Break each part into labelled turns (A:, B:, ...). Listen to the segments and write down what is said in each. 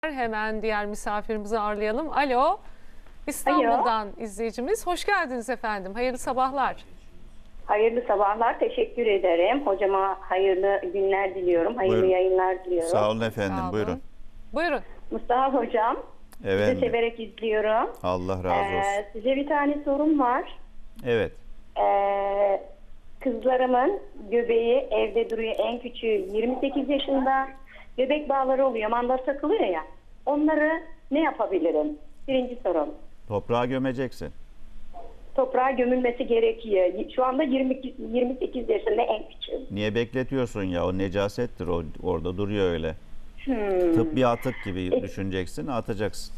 A: Hemen diğer misafirimizi ağırlayalım. Alo, İstanbul'dan izleyicimiz. Hoş geldiniz efendim. Hayırlı sabahlar.
B: Hayırlı sabahlar. Teşekkür ederim. Hocama hayırlı günler diliyorum. Hayırlı
C: Buyurun.
B: yayınlar diliyorum.
C: Sağ olun efendim.
A: Sağ olun.
C: Buyurun.
A: Buyurun.
B: Mustafa hocam.
C: Evet.
B: Sizi severek izliyorum.
C: Allah razı olsun.
B: Size bir tane sorum var.
C: Evet.
B: Kızlarımın göbeği evde duruyor. En küçüğü 28 yaşında. Göbek bağları oluyor. Mandal takılıyor ya. Onları ne yapabilirim? Birinci sorum.
C: Toprağa gömeceksin.
B: Toprağa gömülmesi gerekiyor. Şu anda 28 yaşında en küçüğü.
C: Niye bekletiyorsun ya? O necasettir. O orada duruyor öyle. Tıbbi bir atık gibi düşüneceksin, atacaksın.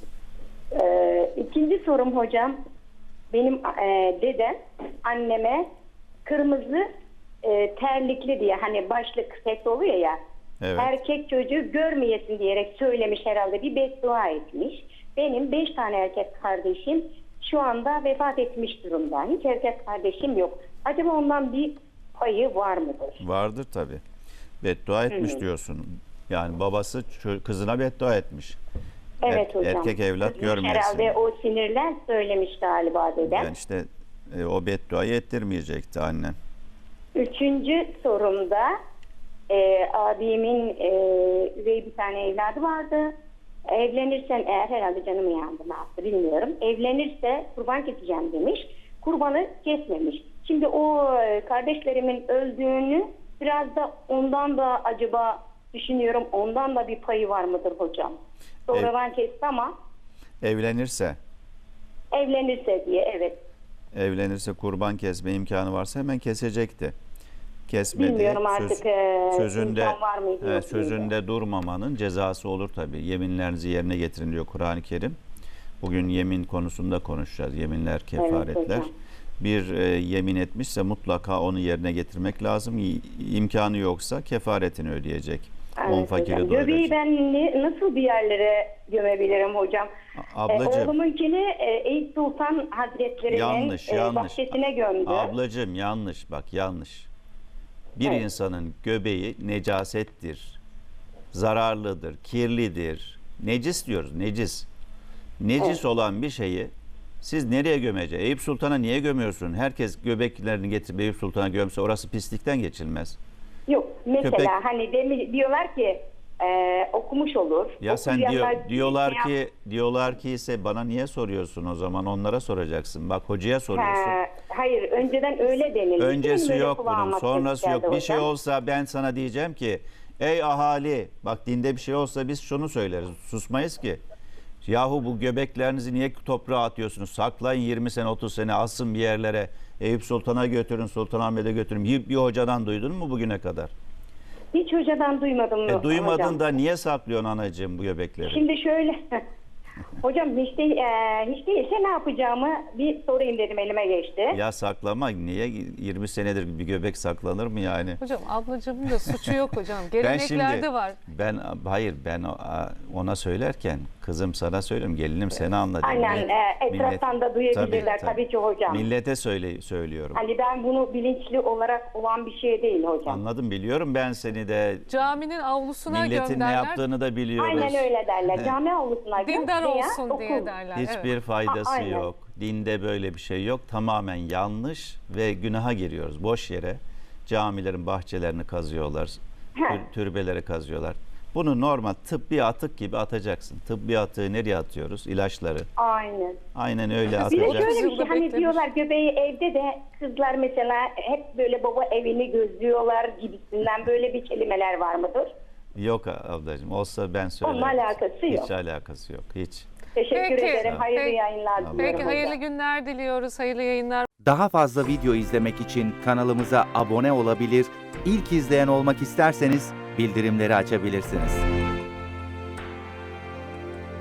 B: İkinci sorum hocam. Benim dedem anneme kırmızı terlikli diye, hani başlık set oluyor ya,
C: Evet.
B: erkek çocuğu görmeyesin diyerek söylemiş, herhalde bir beddua etmiş. Benim 5 tane erkek kardeşim şu anda vefat etmiş durumda. Hiç erkek kardeşim yok. Acaba ondan bir payı var mıdır?
C: Vardır tabii. Beddua etmiş diyorsun. Yani babası kızına beddua etmiş.
B: Evet hocam.
C: Erkek evlat
B: Kızmış
C: görmesin.
B: herhalde, o sinirler söylemiş galiba dedem.
C: Yani işte o bedduayı ettirmeyecekti annen.
B: Üçüncü sorumda abimin üvey bir tane evladı vardı. Evlenirsen eğer, herhalde canımı yandı ne yaptı bilmiyorum. Evlenirse kurban keseceğim demiş. Kurbanı kesmemiş. Şimdi o kardeşlerimin öldüğünü biraz da ondan da acaba düşünüyorum, ondan da bir payı var mıdır hocam? Sonradan kesti ama
C: Evlenirse
B: diye, evet.
C: Evlenirse kurban kesme imkanı varsa hemen kesecekti. Kesmedi.
B: Bilmiyorum artık
C: sözünde
B: imkan var mıydı?
C: evet, sözünde durmamanın cezası olur tabii. Yeminlerinizi yerine getirin diyor Kur'an-ı Kerim. Bugün yemin konusunda konuşacağız. Yeminler, kefaretler.
B: hocam.
C: Bir yemin etmişse mutlaka onu yerine getirmek lazım. İmkanı yoksa kefaretini ödeyecek. 10 fakiri
B: hocam.
C: doyuracak.
B: Göbeği ben nasıl bir yerlere gömebilirim hocam?
C: Ablacığım.
B: Oğlumunkini Eyüp Sultan Hazretleri'nin bahçesine gömdü.
C: Ablacığım yanlış, bak yanlış. Bir
B: Evet.
C: insanın göbeği necasettir, zararlıdır, kirlidir. Necis diyoruz, necis. Necis
B: Evet.
C: olan bir şeyi siz nereye gömeceksiniz? Eyüp Sultan'a niye gömüyorsun? Herkes göbeklerini getirip Eyüp Sultan'a gömse orası pislikten geçilmez.
B: Yok mesela
C: Köpek-
B: hani diyorlar ki okumuş olur.
C: Ya sen
B: Okuyanlar
C: diyorlar ki ise bana niye soruyorsun o zaman? Onlara soracaksın. Bak hocaya soruyorsun.
B: Hayır, önceden öyle denildi.
C: Öncesi
B: Benim
C: yok
B: böyle
C: bunun,
B: kulağıma
C: sonrası
B: ses
C: yok.
B: geldi
C: Bir şey
B: hocam.
C: olsa ben sana diyeceğim ki ey ahali, bak dinde bir şey olsa biz şunu söyleriz, susmayız ki. Yahu bu göbeklerinizi niye toprağa atıyorsunuz? Saklayın 20 sene 30 sene, asın bir yerlere. Eyüp Sultan'a götürün, Sultanahmet'e götürün. Bir hocadan duydun mu bugüne kadar?
B: Hiç hocadan duymadım
C: Duymadın
B: hocam.
C: da niye saklıyorsun anacığım bu göbekleri?
B: Şimdi şöyle hocam, hiç değilse ne yapacağımı bir sorayım dedim, elime geçti.
C: Ya saklama, niye 20 senedir bir göbek saklanır mı yani?
A: Hocam ablacığımın da suçu yok hocam. Geleneklerde var.
C: Ben ona söylerken kızım sana söylüyorum, gelinim seni anladı.
B: Aynen, etraftan da duyabilirler tabii ki hocam.
C: Millete söylüyorum.
B: Hani ben bunu bilinçli olarak olan bir şey değil hocam.
C: Anladım, biliyorum ben seni de,
A: Caminin avlusuna
C: milletin ne
A: gönderler.
C: yaptığını da biliyoruz.
B: Aynen öyle derler. Cami avlusuna göm
A: Dindar
B: veya
A: olsun diye
B: okul.
A: derler.
C: Hiçbir
A: Evet.
C: faydası
B: Aynen.
C: yok. Dinde böyle bir şey yok. Tamamen yanlış ve günaha giriyoruz. Boş yere camilerin bahçelerini kazıyorlar. Türbeleri kazıyorlar. Bunu normal tıbbi atık gibi atacaksın. Tıbbi atığı nereye atıyoruz? İlaçları.
B: Aynen.
C: Aynen öyle
B: Bir de
C: atacaksın.
B: şöyle bir şey,
A: Yılda
B: hani
A: beklemiş.
B: diyorlar göbeği evde de kızlar mesela hep böyle baba evini gözlüyorlar gibisinden, böyle bir kelimeler var mıdır?
C: Yok ablacığım. Olsa ben söylerim.
B: Onunla alakası yok.
C: Hiç alakası yok. Hiç.
B: Teşekkür
A: Peki.
B: ederim. Hayırlı
A: Peki.
B: yayınlar diliyorum.
A: Peki
B: hocam.
A: hayırlı günler diliyoruz. Hayırlı yayınlar.
D: Daha fazla video izlemek için kanalımıza abone olabilir, ilk izleyen olmak isterseniz bildirimleri açabilirsiniz.